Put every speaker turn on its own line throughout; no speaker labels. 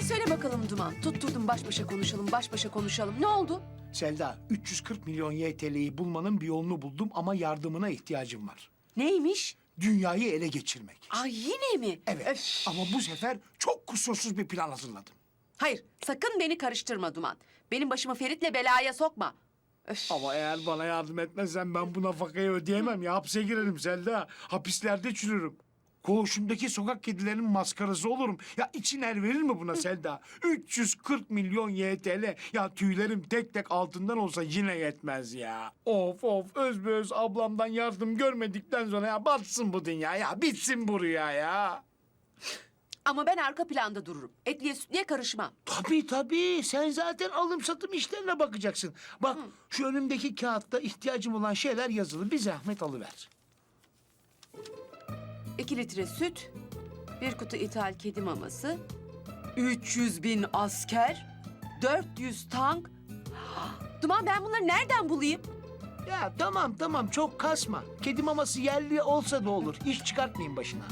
Hadi söyle bakalım Duman. Tutturdum baş başa konuşalım, baş başa konuşalım. Ne oldu?
Selda, 340 milyon YTL'yi bulmanın bir yolunu buldum ama yardımına ihtiyacım var.
Neymiş?
Dünyayı ele geçirmek.
Ay yine mi?
Evet
Öf.
ama bu sefer çok kusursuz bir plan hazırladım.
Hayır, sakın beni karıştırma Duman. Benim başımı Ferit'le belaya sokma. Öf.
Ama eğer bana yardım etmezsen ben bu nafakayı ödeyemem ya. Hapse girerim Selda. Hapislerde çürürüm. Koğuşumdaki sokak kedilerinin maskarası olurum. Ya için er verir mi buna Selda? 340 milyon YTL. Ya tüylerim tek tek altından olsa yine yetmez ya. Of of özbeöz ablamdan yardım görmedikten sonra ya batsın bu dünya ya. Bitsin bu rüya ya.
Ama ben arka planda dururum. Etliye sütliye karışmam.
Tabii tabii. Sen zaten alım satım işlerine bakacaksın. Bak şu önümdeki kağıtta ihtiyacım olan şeyler yazılı. Bir zahmet alıver.
2 litre süt, 1 kutu ithal kedi maması, 300 bin asker, 400 tank. Duman ben bunları nereden bulayım?
Ya tamam çok kasma. Kedi maması yerli olsa da olur. İş çıkartmayın başına.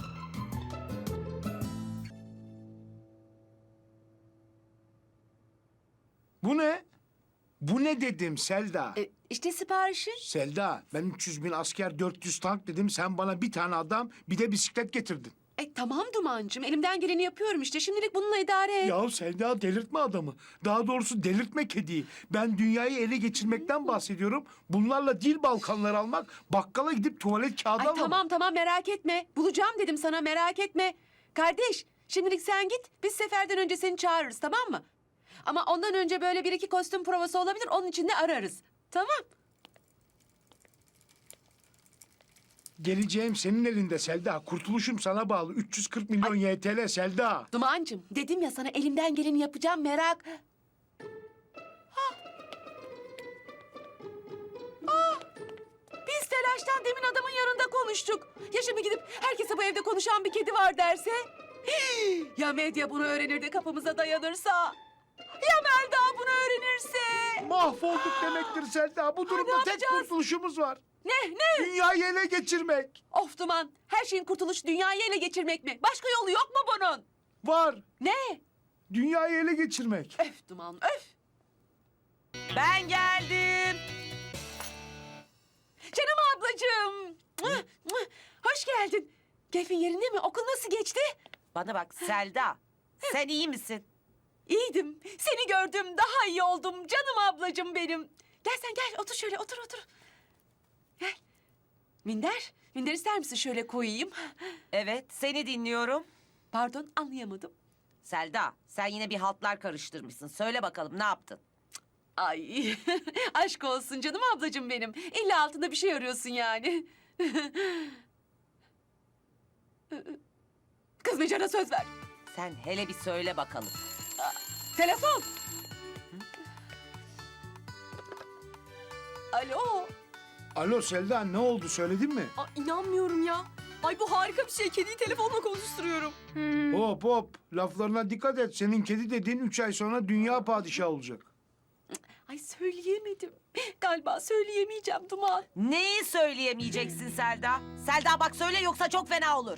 Bu ne? Bu ne dedim Selda?
İşte siparişin.
Selda ben 300 bin asker 400 tank dedim. Sen bana bir tane adam bir de bisiklet getirdin.
Tamam Duman'cığım elimden geleni yapıyorum işte. Şimdilik bununla idare et.
Ya Selda delirtme adamı. Daha doğrusu delirtme kediyi. Ben dünyayı ele geçirmekten bahsediyorum. Bunlarla dil balkanları almak, bakkala gidip tuvalet kağıdı
Ay
almamak.
tamam merak etme. Bulacağım dedim sana merak etme. Kardeş şimdilik sen git. Biz seferden önce seni çağırırız tamam mı? Ama ondan önce böyle 1-2 kostüm provası olabilir. Onun için de ararız. Tamam.
Geleceğim senin elinde Selda. Kurtuluşum sana bağlı. 340 milyon YTL Selda.
Duman'cığım dedim ya sana elimden geleni yapacağım merak. Biz telaştan demin adamın yanında konuştuk. Ya şimdi gidip herkese bu evde konuşan bir kedi var derse? Ya medya bunu öğrenir de kapımıza dayanırsa? Ya Melda bunu öğrenirse?
Mahvolduk demektir Selda. Bu durumda tek
yapacağız?
kurtuluşumuz var.
Ne?
Dünyayı ele geçirmek.
Of Duman, her şeyin kurtuluşu dünyayı ele geçirmek mi? Başka yolu yok mu bunun?
Var.
Ne?
Dünyayı ele geçirmek.
Öf Duman, öf.
Ben geldim.
Canım ablacığım. Hoş geldin. Keyfin yerinde mi? Okul nasıl geçti?
Bana bak Selda. Sen iyi misin?
İyiydim. Seni gördüm, daha iyi oldum. Canım ablacığım benim. Gel sen gel, otur şöyle, otur. Gel. Minder ister misin şöyle koyayım?
Evet, seni dinliyorum.
Pardon, anlayamadım.
Selda, sen yine bir haltlar karıştırmışsın. Söyle bakalım ne yaptın?
Ay, aşk olsun canım ablacığım benim. İlla altında bir şey arıyorsun yani. Kızmayacağına söz ver.
Sen hele bir söyle bakalım.
Telefon. Alo.
Alo Selda ne oldu söyledin mi?
İnanmıyorum ya. Ay bu harika bir şey. Kediyi telefonla konuşturuyorum.
Hop laflarına dikkat et. Senin kedi dediğin 3 ay sonra dünya padişahı olacak.
Ay söyleyemedim. Galiba söyleyemeyeceğim Duman.
Neyi söyleyemeyeceksin Selda? Selda bak söyle yoksa çok fena olur.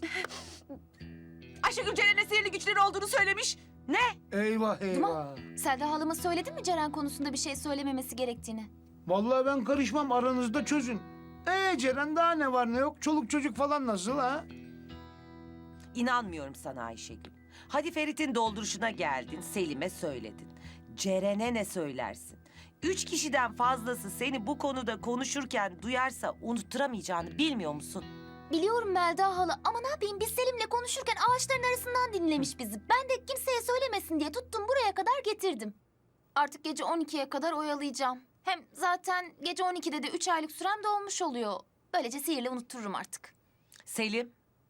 Ayşegül Ceren'e sihirli güçleri olduğunu söylemiş.
Ne?
Eyvah.
Selda halama söyledin mi Ceren konusunda bir şey söylememesi gerektiğini?
Vallahi ben karışmam aranızda çözün. Ceren daha ne var ne yok? Çoluk çocuk falan nasıl ha?
İnanmıyorum sana Ayşegül. Hadi Ferit'in dolduruşuna geldin, Selim'e söyledin. Ceren'e ne söylersin? 3 kişiden fazlası seni bu konuda konuşurken duyarsa unutturamayacağını bilmiyor musun?
Biliyorum Melda hala ama ne yapayım biz Selim'le konuşurken ağaçların arasından dinlemiş bizi. Ben de kimseye söylemesin diye tuttum buraya kadar getirdim. Artık gece 12'ye kadar oyalayacağım. Hem zaten gece 12'de de 3 aylık sürem dolmuş oluyor. Böylece sihirle unuttururum artık.
Selim,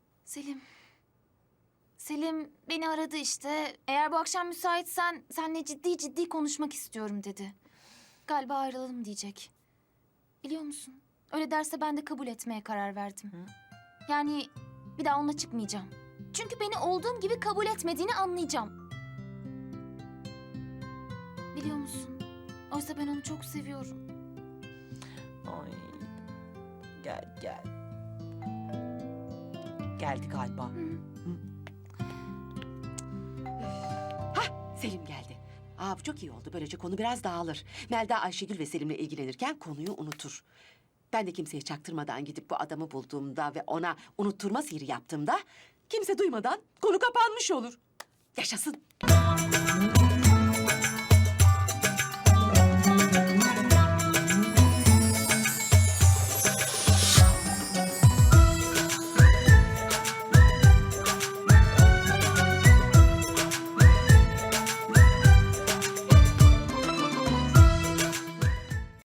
Selim beni aradı işte. Eğer bu akşam müsaitsen seninle ciddi konuşmak istiyorum dedi. Galiba ayrılalım diyecek. Biliyor musun? Öyle derse ben de kabul etmeye karar verdim. Yani bir daha onunla çıkmayacağım. Çünkü beni olduğum gibi kabul etmediğini anlayacağım. Biliyor musun? Oysa ben onu çok seviyorum.
ay gel. Geldi galiba.
Selim geldi. Bu çok iyi oldu. Böylece konu biraz dağılır. Melda Ayşegül ve Selim'le ilgilenirken konuyu unutur. Ben de kimseye çaktırmadan gidip bu adamı bulduğumda ve ona unutturma sihri yaptığımda kimse duymadan konu kapanmış olur. Yaşasın.